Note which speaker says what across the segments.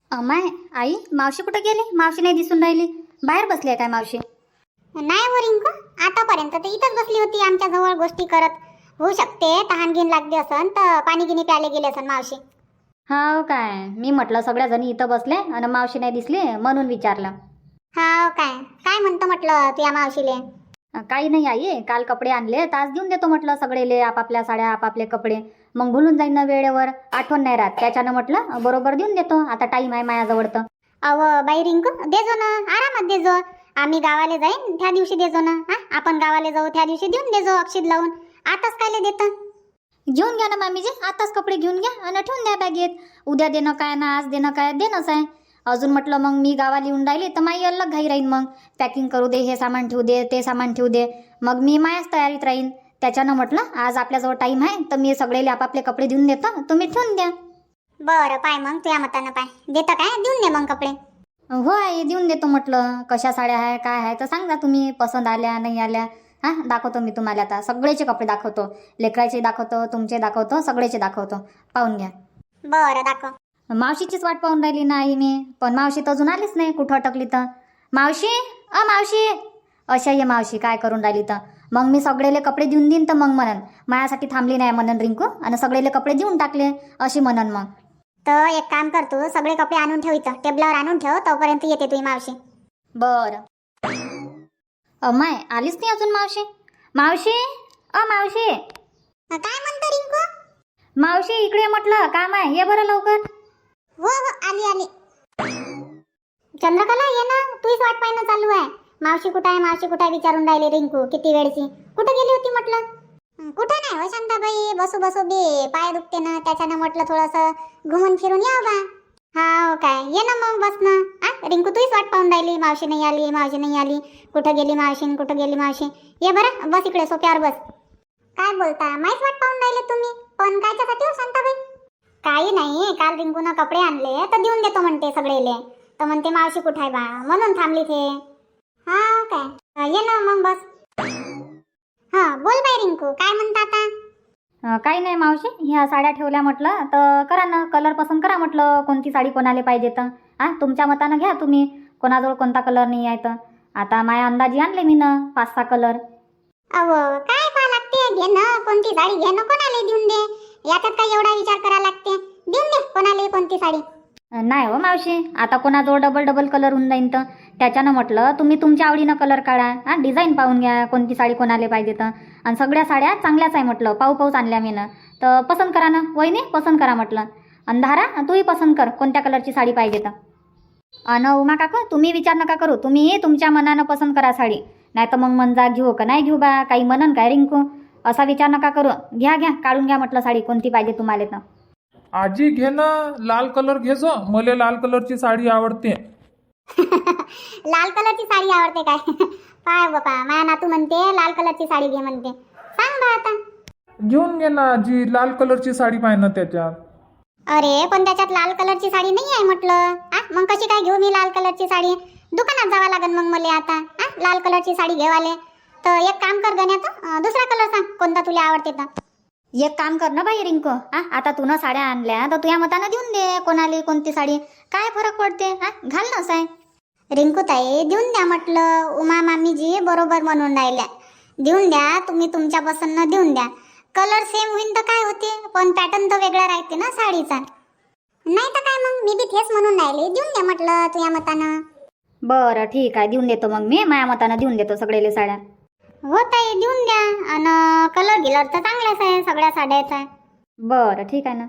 Speaker 1: अमाय आई, मावशी कुठे गेली? मावशी नाही दिसून राहिली. बाहेर बसली आहे काय मावशी?
Speaker 2: नाही हो रिंकू, आतापर्यंत तर इथंच बसली होती आमच्या जवळ गोष्टी करत. होऊ शकते तहान घेऊन लागली असन तर पाणी गिनी प्यायला गेले असन मावशी.
Speaker 1: हाव काय? मी म्हटलं सगळ्या जणी इथं बसले आणि मावशी नाही दिसली म्हणून विचारलं.
Speaker 2: हा काय काय म्हणतो म्हटलं तुझ्या मावशीले?
Speaker 1: काही नाही आई, काल कपडे आणले तर आज देऊन देतो म्हटलं सगळेले आपापल्या साड्या आपापले कपडे. मग भुलून जाईन ना वेळेवर, आठवण नाही राहत. त्याच्यानं म्हटलं बरोबर देऊन देतो. आता टाईम आहे माझ्याजवळ तर.
Speaker 2: अव बाई रिंकू, देजो ना, आरामात देजो. आम्ही गावाला जाईन त्या दिवशी देजो ना. हा, आपण गावाला जाऊ त्या दिवशी देऊन देजो अक्षित लावून. आताच कायले देता?
Speaker 1: घेऊन घ्या ना मामीजी, आताच कपडे घेऊन घ्या आणि ठेवून द्या बॅगेत. उद्या देणं काय ना आज देणं काय, देणंच आहे. अजून म्हटलं मग मी गावाला येऊन राहिली तर माई अलग घाई राहीन. मग पॅकिंग करू दे, हे सामान ठेवू दे, ते सामान ठेवू दे. मग मी मायाच तयारीत राहीन. त्याच्यानं म्हटलं आज आपल्याजवळ टाईम आहे तर मी सगळेले आपापले कपडे देऊन देतो, तुम्ही ठेवून द्या.
Speaker 2: बरं पाय मग तुझ्या मतानं पाय देता काय, देऊन दे मग कपडे.
Speaker 1: हो आई, देऊन देतो म्हटलं. कशा साड्या आहे काय आहे तर सांगा तुम्ही, पसंत आल्या नाही आल्या. हां, दाखवतो मी तुम्हाला. आता सगळेचे कपडे दाखवतो, लेकराचे दाखवतो, तुमचे दाखवतो, सगळेचे दाखवतो. पाहून घ्या.
Speaker 2: बरं दाखव.
Speaker 1: मावशीचीच वाट पाहून राहिली ना आई मी, पण मावशी तर अजून आलीच नाही. कुठं अटकली तर? मावशी, मावशी, अशा ये मावशी काय करून राहिली तर? मग मी सगळेले कपडे देऊन देईन तर मग म्हणन माझ्यासाठी थांबली नाही म्हणन रिंकू, आणि सगळेले कपडे देऊन टाकले अशी म्हणन. मग
Speaker 2: तर एक काम कर, तू सगळे कपडे आणून ठेव इथं टेबलावर आणून ठेव, तोपर्यंत येते तुझी मावशी.
Speaker 1: बरं. अमाय आलीच नाही अजून मावशी. मावशी, मावशी.
Speaker 2: काय म्हणतो रिंकू?
Speaker 1: मावशी इकडे ये म्हटलं, काम आहे, ये बरं लवकर.
Speaker 2: हो हो आली आली. चंद्रकला ये ना, तूच वाट पाहणं चालू आहे. मावशी कुठं आहे, मावशी कुठं आहे विचारून राहिले रिंकू किती वेळची. कुठं गेली होती म्हटलं? कुठं नाही हो शांताबाई, बसू बसू बे पाय दुखते ना, त्याच्यानं म्हटलं थोडंसं घुमून फिरून यावं बा. हा काय, ये ना मग बस ना. रिंकू तूच वाट पाहून राहिली, मावशी नाही आली, मावशी नाही आली. कुठं गेली मावशी, कुठं गेली मावशी. ये बरं बस इकडे सोप्यावर बस. काय बोलता, माहीत वाट पाहून राहिले तुम्ही? पण कायच्यासाठी हो शांताबाई? काही नाही, काल रिंकूनं कपडे आणले तर देऊन देतो म्हणते सगळेले. तर म्हणते मावशी कुठं आहे बा, म्हणून थांबली ते. हा काय, ये ना मग बस. हा बोल बाई रिंकू, काय म्हणता आता?
Speaker 1: काही नाही मावशी, ह्या साड्या ठेवल्या म्हटलं तर करा ना, कलर पसंत करा म्हटलं. कोणती साडी कोणाला पाहिजे तर तुमच्या मतानं घ्या तुम्ही. कोणाजवळ कोणता कलर नाही आहे तर. आता माझ्या अंदाजी आणले मी ना 5-6 कलर.
Speaker 2: अहो काय पहा लागते, घे ना कोणती साडी, घे ना कोणाला देऊन दे. याच्यात काय एवढा विचार करा लागते, देऊन दे कोणाला कोणती साडी.
Speaker 1: नाही हो मावशी, आता कोणाजवळ डबल डबल कलर होऊन जाईन तर. त्याच्यानं म्हटलं तुम्ही तुमच्या आवडीनं कलर काढा. डिझाईन पाहून घ्या कोणती साडी कोणाला पाहिजे तर. आणि सगळ्या साड्या चांगल्याच आहे म्हटलं, पाऊस आणल्या मी ना. तर पसंत करा ना वहिनी, पसंत करा म्हटलं. आणि धारा तूही पसंत कर कोणत्या कलरची साडी पाहिजे तर. अन उमा काका तुम्ही विचार नका करू, तुम्ही तुमच्या मनानं पसंत करा साडी. नाही तर मग मनजा घेऊ का नाही घेऊ बा, काही म्हणन काय रिंकू, असा विचार नका करू. घ्या घ्या, काढून घ्या म्हटलं साडी कोणती पाहिजे तुम्हाला तर.
Speaker 3: आजी घे ना, लाल कलर घे जो, मला लाल कलरची साडी आवडते.
Speaker 2: लाल कलरची साडी आवडते काय? पाय बापा, माझ्या नातू म्हणते लाल कलरची साडी घे म्हणते. सांग बा आता.
Speaker 3: घेऊन घे ना आजी, लाल कलरची साडी पाहिजे ना त्याच्यात.
Speaker 2: अरे पण त्याच्यात लाल कलरची साडी नाही आहे म्हटलं. मग कशी काय घेऊ मी लाल कलरची साडी? दुकानात जावं लागेल मग मला आता. लाल कलरची साडी घेवाले तर एक काम कर गण्याचं, दुसरा कलर सांग कोणता तुला आवडते तर.
Speaker 1: एक काम कर ना बाई रिंकू, आता तू ना साड्या आणल्या तर तुझ्या मतानं देऊन दे कोणाला कोणती साडी. काय फरक पडते, घाल ना साय.
Speaker 2: रिंकू ताई देऊन द्या म्हटलं, उमा मामीजी बरोबर म्हणून राहिल्या. देऊन द्या, तुम्ही तुमच्या पसंत देऊन द्या. कलर सेम होईन तर काय होते, पण पॅटर्न तर वेगळा राहते ना साडीचा. नाही तर काय, मग मी बी तेच म्हणून राहिले, देऊन द्या म्हटलं तुझ्या मतानं.
Speaker 1: बरं ठीक आहे, देऊन देतो मग मी माझ्या मतानं देऊन देतो सगळेले साड्या.
Speaker 2: हो ताई देऊन द्या. आणि कलर गिलर तर चांगलाच आहे सगळ्या साड्याचा.
Speaker 1: बरं ठीक आहे ना.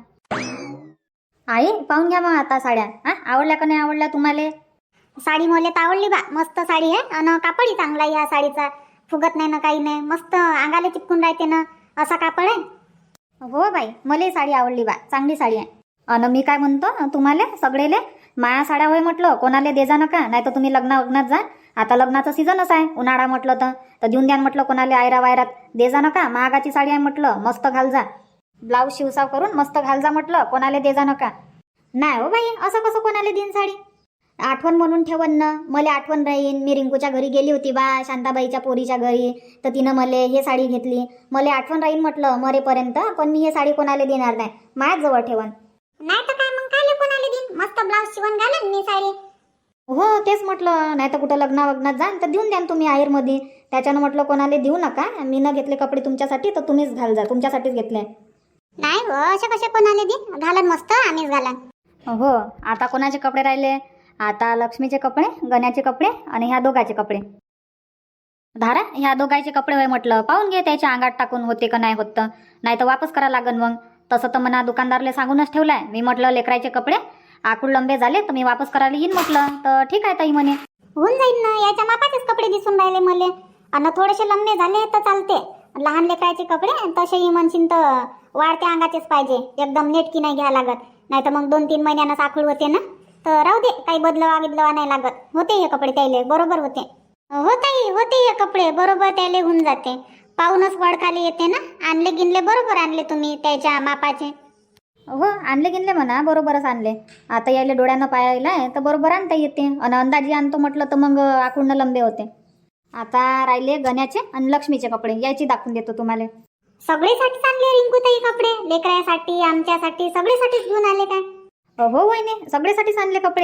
Speaker 1: आई पाहून घ्या मग आता साड्या. आवडल्या का नाही आवडल्या तुम्हाला?
Speaker 2: साडी मला तर आवडली बा, मस्त साडी आहे. आणि कापडही चांगला आहे या साडीचा, फुगत नाही ना काही नाही, मस्त अंगाला चिपकून राहते ना, असा कापड आहे.
Speaker 1: हो बाई, मलाही साडी आवडली बा, चांगली साडी आहे. आणि मी काय म्हणतो तुम्हाला सगळेले माया साड्या होय म्हटलं, कोणाला दे जा नका, नाही तर तुम्ही लग्नात जा. आता लग्नाचं सीझनच आहे, उन्हाळा म्हटलं तर देऊन द्या म्हटलं कोणाला आयरा वायरात. दे जा नका, महागाची साडी आहे म्हटलं, मस्त घाल जा. ब्लाऊज शिवसाव करून मस्त घाल जा म्हटलं, कोणाला दे जा नका. नाही हो बाई, असं कसं कोणाला देईन साडी? आठवण म्हणून ठेवन ना, मला आठवण राहीन. मी रिंकूच्या घरी गेली होती बा, शांताबाईच्या पोरीच्या घरी, तर तिनं मला हे साडी घेतली. मला आठवण राहीन म्हटलं मरेपर्यंत, पण मी हे साडी कोणाला देणार नाही, माझ्याच जवळ ठेवन.
Speaker 2: नाही तर काय, मग काय कोणाला देईन? मस्त ब्लाऊज शिवून घालन मी साडी.
Speaker 1: हो तेच म्हटलं, नाही तर कुठं लग्नात जाल तर देऊन द्या ना तुम्ही आहेरमध्ये. त्याच्यानं म्हटलं कोणाला देऊ नका, मी न घेतले कपडे तुमच्यासाठी तर तुम्हीच घाल जा, तुमच्यासाठीच घेतले.
Speaker 2: नाही हो, असे कसे कोणाला दे, घालन मस्त आम्हीच घालन.
Speaker 1: हो आता कोणाचे कपडे राहिले? आता लक्ष्मीचे कपडे, गण्याचे कपडे आणि ह्या दोघाचे कपडे. धारा ह्या दोघांचे कपडे होय म्हटलं, पाहून घे त्याच्या अंगात टाकून होते का नाही होत, नाही तर वापस करा लागन मग. तसं तर मना दुकानदारले सांगूनच ठेवलाय मी, म्हटलं लेकराचे कपडे आकूड लंबे झाले तर मी वापस करायला येईन म्हटलं. तर ठीक आहे ताई म्हणे.
Speaker 2: होऊन जाईल ना, याच्या मापाचेच कपडे दिसून राहिले मले, आणि थोडेसे लंबे झाले तर चालते. लहान लेकराचे कपडे तसेही म्हणशील तर वाढत्या अंगाचेच पाहिजे, एकदम नेटकी नाही घ्या लागत, नाही तर मग 2-3 महिन्यानं साखूड होते ना. तर राहू दे, काही बदलवा नाही लागत, होते हे कपडे त्याले बरोबर होते. हो ताई, होते हे कपडे बरोबर त्याले होऊन जाते. पाहूनच वडखाली येते ना. आणले गिनले बरोबर आणले तुम्ही त्याच्या मापाचे.
Speaker 1: हो आणले गिनले म्हणा, बरोबरच आणले. आता यायले डोळ्यानं पाहायला तर बरोबर आणता येते, आणि अंदाजी आणतो म्हटलं तर मग आकुडनं लंबे होते. आता राहिले गण्याचे आणि लक्ष्मीचे कपडे, याची दाखवून देतो तुम्हाला.
Speaker 2: सगळेसाठीच आणले रिंकू ताई कपडे, लेकरासाठी आमच्यासाठी सगळेसाठीच घेऊन आले काय?
Speaker 1: हो वहिनी, सगळेसाठीच आणले कपडे.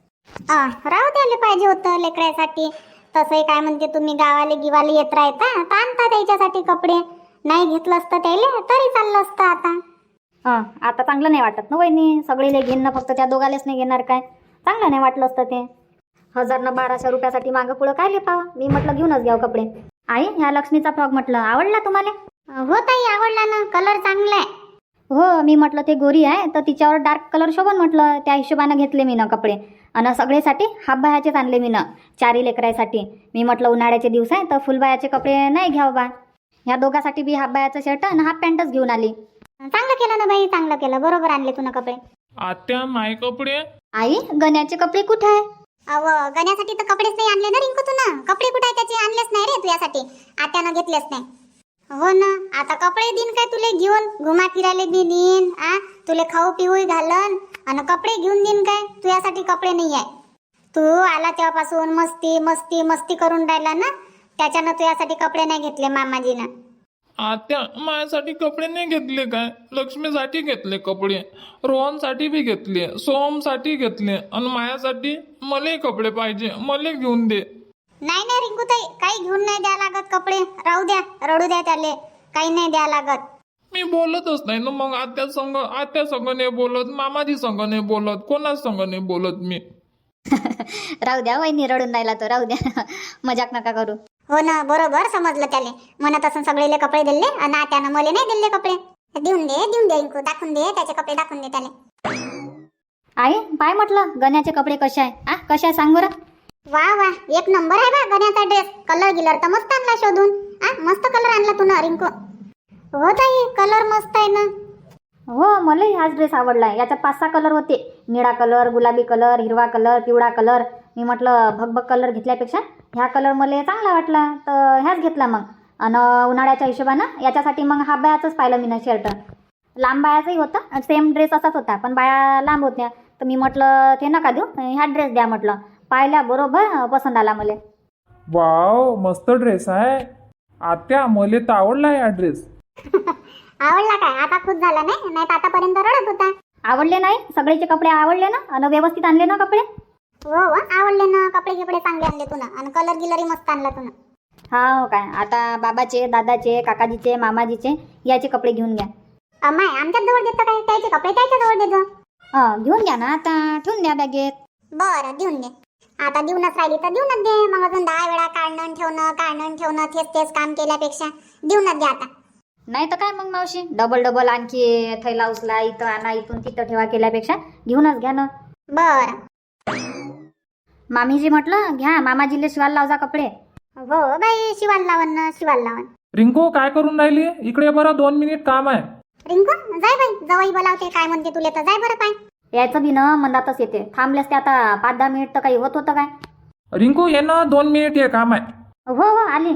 Speaker 2: राहू द्यायला पाहिजे होतं लेकरासाठी. तसंही काय म्हणते तुम्ही गावाले गिवाले येत राहता तर आणता त्याच्यासाठी कपडे. नाही घेतलं असतं त्याले तरी चाललं असतं. आता
Speaker 1: आता चांगलं नाही वाटत ना वहिनी, सगळेले घेणं, फक्त त्या दोघालेच नाही घेणार काय? चांगलं नाही वाटलं असतं ते. 1000 न 1200 रुपयासाठी मागं पुढं काय लिपावं. मी म्हटलं घेऊनच घ्यावं कपडे. आई ह्या लक्ष्मीचा फ्रॉक म्हटलं आवडला तुम्हाला?
Speaker 2: हो ताई आवडला ना, कलर चांगला आहे.
Speaker 1: हो मी म्हटलं ते गोरी आहे तर तिच्यावर डार्क कलर शोभन म्हटलं, त्या हिशोबानं घेतले मी ना कपडे. आणि सगळेसाठी हाफबायाचेच आणले मी ना, 4 लेकरासाठी. मी म्हटलं उन्हाळ्याचे दिवस आहे तर फुलबायाचे कपडे नाही घ्यावं बा. ह्या दोघांसाठी बी हाफबायाचं शर्ट आणि हाफ पॅन्टच घेऊन आली.
Speaker 2: चांगलं केलं ना बाई, चांगलं केलं, बरोबर आणले तू ना कपडे.
Speaker 3: आत्या माय कपडे.
Speaker 1: आई गण्याचे कपडे कुठे आहे?
Speaker 2: अव गण्यासाठी तर कपडेच नाही आणले ना रिंकू तू ना. कपडे कुठे आहे त्याचे? आणलेच नाही रे तुझ्यासाठी, आत्यानं घेतलेच नाही. हो ना, आता कपडे दिन काय तुले घेऊन घुमा फिरायला बी देईन, तुले खाऊ पिऊ घालन, आणि कपडे घेऊन देईन काय? तुझ्यासाठी कपडे नाही आहे. तू आला तेव्हापासून मस्ती मस्ती मस्ती करून राहिला ना, त्याच्यानं तुझ्यासाठी कपडे नाही घेतले मामाजीनं.
Speaker 3: आत्या माझ्यासाठी कपडे नाही घेतले काय? लक्ष्मीसाठी घेतले कपडे, रोहनसाठी बी घेतले, सोमसाठी घेतले, आणि माझ्यासाठी मले कपडे पाहिजे, मले घेऊन दे.
Speaker 2: नाही नाही रिंकूताई, काही घेऊन नाही द्या लागत कपडे. राहू द्या, रडू द्या त्याले, काही नाही द्या लागत.
Speaker 3: मी बोलतच नाही ना मग आत्या संग नाही बोलत, मामाजी संग नाही बोलत, कोणाच संग नाही बोलत मी.
Speaker 1: राहू द्या वहिनी, रडून राहिला तर राहू द्या. मजाक नका करू.
Speaker 2: हो ना, बरोबर समजलं त्याले. म्हणत असं सगळेले कपडे दिले आणि आत्यानं मले नाही दिले कपडे. देऊन दे रिंकू, दाखवून दे त्याचे कपडे, दाखवून दे त्याले.
Speaker 1: आई पाय म्हटलं गण्याचे कपडे कसे आहे? कसे आहे सांग बरं.
Speaker 2: वा वा, एक नंबर आहे बा गण्याचा ड्रेस. कलर गिलर तर मस्त आणला शोधून. मस्त कलर आणला तू ना रिंकू. हो ताई, कलर मस्त आहे ना.
Speaker 1: हो मलाही हाच ड्रेस आवडलाय. याच्यात 5-6 कलर होते, निळा कलर, गुलाबी कलर, हिरवा कलर, पिवळा कलर. मी म्हटलं भगभग कलर घेतल्यापेक्षा ह्या कलर मला चांगला वाटला तर ह्याच घेतला मग. आणि उन्हाळ्याच्या हिशोबानं याच्यासाठी मग हाफ बायाचंच पाहिलं मी ना शर्ट. लांब बायाचंही होतं, सेम ड्रेस असाच होता, पण बाया लांब होत्या. तर मी म्हटलं ते नका देऊ, ह्या ड्रेस द्या म्हटलं. पाहिल्या बरोबर पसंत आला मला.
Speaker 3: वाव, मस्त ड्रेस आहे आत्या, मले तर आवडला हा ड्रेस.
Speaker 2: आवडला काय? आता खुश झाला नाही, नाही तर आतापर्यंत रडत होता.
Speaker 1: आवडले नाही? सगळेचे कपडे आवडले ना? आणि व्यवस्थित आणले ना कपडे?
Speaker 2: हो आवडले ना, कपडे गिपडे चांगले आणले तू ना, आणि कलर गिलरी मस्त आणला तू ना.
Speaker 1: हा काय, आता बाबाचे, दादाचे, काकाजीचे, मामाजीचे याचे कपडे घेऊन घ्या.
Speaker 2: अम्माय आमच्याच जवळ देतो काय? त्याचे कपडे त्याच्या जवळ देतो.
Speaker 1: घेऊन घ्या ना, आता ठेवून द्या बॅगेत.
Speaker 2: बरं देऊन दे. आता देऊनच राहिली तर देऊनच दे. मग अजून 10 वेळा काढणं ठेवणं तेच काम केल्यापेक्षा देऊनच दे आता.
Speaker 1: नाही तर काय मग मावशी, डबल आणखी थैला उचला, इथं आणा, इथून तिथं ठेवा केल्यापेक्षा घेऊनच घ्या ना.
Speaker 2: बरं.
Speaker 1: मामीजी म्हटलं घ्या, मामाजीले शिवायला लावजा कपडे.
Speaker 2: हो बाई, शिवाल लावण.
Speaker 3: रिंकू काय करून राहिली? इकडे बरं, 2 मिनिट काम आहे.
Speaker 2: रिंकू जाय बाई, जवळ बोलावते काय म्हणते तुले तर जाय बरं. पाय
Speaker 1: यायचं बी ना मंदातच येते, थांबलेस ते आता 5-10 मिनिट तर काही होत होतं काय?
Speaker 3: रिंकू ये ना, 2 मिनिट हे काम आहे.
Speaker 1: हो आली.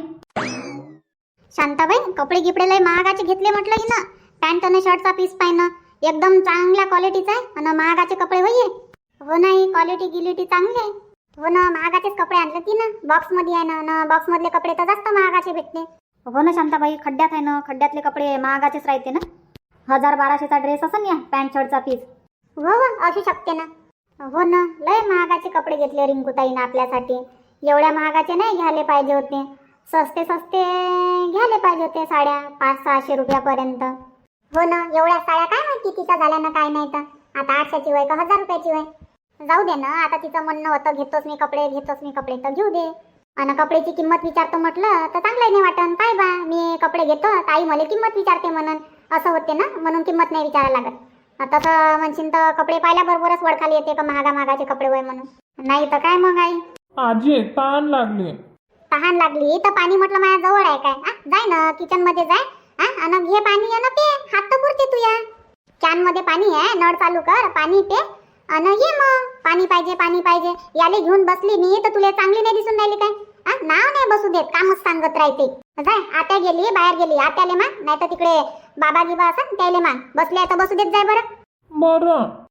Speaker 2: शांताबाई, कपडे गिपडे लय महागाचे घेतले म्हटलं की ना. पॅन्ट आणि शर्टचा पीस पाहिनं एकदम चांगल्या क्वालिटीचा आहे, आणि महागाचे कपडे होईये. हो नाही, क्वालिटी गिलिटी चांगली आहे. हो ना, महागाचेच कपडे आणले ती ना, बॉक्स मध्ये आहे ना, बॉक्स मधले कपडे तर जास्त महागाचे भेटते.
Speaker 1: हो ना शांताबाई, खड्ड्यात आहे ना, खड्ड्यातले कपडे महागाचेच राहते ना. 1000-1200चा ड्रेस असं या पॅन्ट शर्टचा पीस.
Speaker 2: हो असू शकते ना. हो ना, लय महागाचे कपडे घेतले रिंकूताईनं आपल्यासाठी. एवढ्या महागाचे नाही घ्यायला पाहिजे होते, सस्ते सस्ते घ्यायला पाहिजे होते साड्या, 500-600 रुपयापर्यंत. हो ना, एवढ्या साड्या काय माहिती कितीच्या झाल्या ना काय नाही. तर आता 800ची वय का 1000 रुपयाची वय. जाऊ दे ना, आता तिचं म्हणणं होतं घेतोच मी कपडे तर घेऊ दे. आणि कपड्याची किंमत विचारतो म्हटलं तर चांगलं नाही वाटन. काय बा, मी कपडे घेतो ताई मला किंमत विचारते म्हणून, असं होते ना, म्हणून किंमत नाही विचारायला लागत. तसं म्हणशील तर कपडे पाहिल्याबरोबरच वळखाली येते का महागाचे कपडे वय म्हणून. नाही तर काय मग आई.
Speaker 3: आजी ताण लागली.
Speaker 2: तहान लागली तर पाणी म्हटलं माझ्या जवळ आहे काय. जाय ना किचन मध्ये जाय, आणि घे पाणी आणि पे. हात तर पुरते तुया. कॅन मध्ये पाणी आहे, नळ चालू कर, पाणी पे आणि ये मग. पाणी पाहिजे याले घेऊन बसली मी तर तुला चांगली नाही दिसून राहिली काय. नाव नाही बसू देत, कामच सांगत राहते. जाय, आत्या गेली बाहेर गेली, आत्याले मान, नाही तर तिकडे बाबा गिबा असं त्याले मान. बसले तर बसू देत जाय बरं.
Speaker 3: बरं